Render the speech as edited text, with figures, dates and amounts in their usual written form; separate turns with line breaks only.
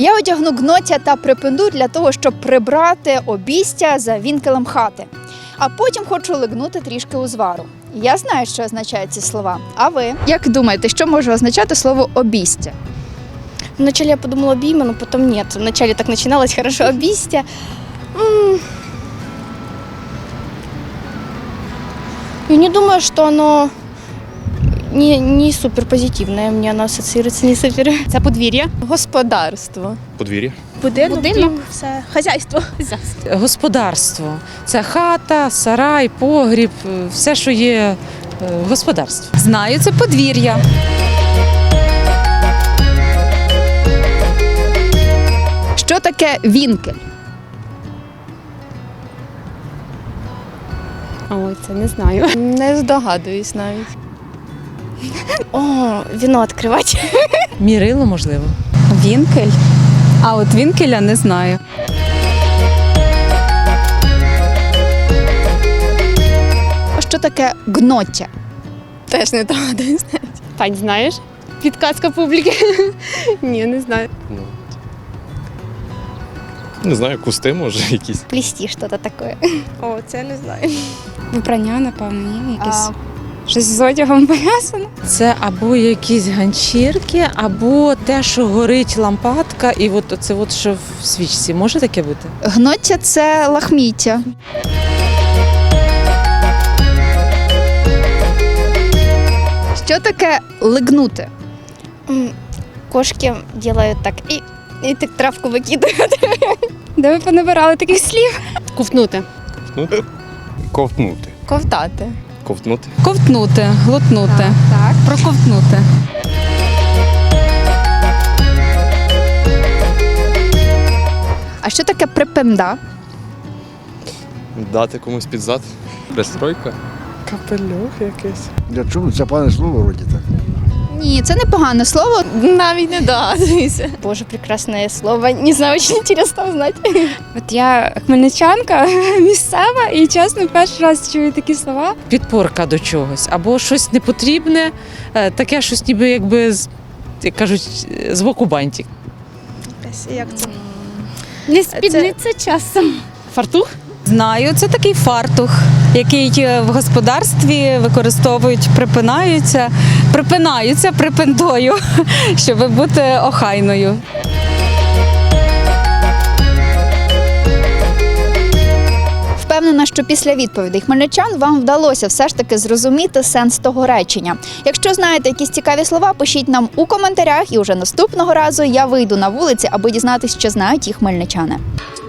Я одягну гноття та припинду для того, щоб прибрати обістя за вінкелем хати. А потім хочу лигнути трішки узвару. Я знаю, що означають ці слова. А ви? Як думаєте, що може означати слово обістя?
Вначале я подумала обійма, но потом нет. Вначале так начиналось хорошо обістя. Я не думаю, что оно не супер позитивное. Мне оно ассоциируется не супер.
Це подвір'я.
Господарство.
Подвір'я.
Будинок, дім, все. Хазяйство.
Господарство – це хата, сарай, погріб, все, що є в господарстві.
Знаю, це подвір'я.
Що таке вінкель?
Ой, це не знаю.
Не здогадуюсь навіть.
О, вино открывать.
Мірило, можливо.
Вінкель. А от вінкеля не знаю.
Що таке гноття?
Теж не догадуюсь.
Тань, знаєш? Підказка публіки. Ні, не знаю.
Не знаю, кусти може якісь.
Плести что-то такое.
О, це не знаю.
Вибрання, напевно, є якесь. Щось з одягом пов'язано.
Це або якісь ганчірки, або те, що горить лампадка, і от це от, що в свічці. Може таке бути?
Гноття – це лахміття. Що таке лигнути?
Кошки делают так и так травку выкидывают.
Де ви понабирали таких слів? Ковтнути.
Ковтнути. Ковтнути.
Ковтати.
Ковтнути.
Ковтнути, глотнути.
Так.
Проковтнути.
А що таке припинда?
Дати комусь під зад. Пристройка.
Капелюх якийсь.
Для чого? Це пане слово вроді так.
Ні, це не погане слово.
Навіть не догадуюся.
Боже, прекрасное слово. Не знаю, очень интересно узнать.
От я хмельничанка місцева і, чесно, перший раз чую такі слова.
Підпорка до чогось, або щось непотрібне, таке щось ніби якби, як кажуть, з боку бантик.
Як це?
Не спідниця часом. Фартух? Знаю, це такий фартух, який в господарстві використовують, припинаються припиндою, щоб бути охайною.
Впевнена, що після відповідей хмельничан вам вдалося все ж таки зрозуміти сенс того речення. Якщо знаєте якісь цікаві слова, пишіть нам у коментарях, і уже наступного разу я вийду на вулиці, аби дізнатися, що знають їх хмельничани.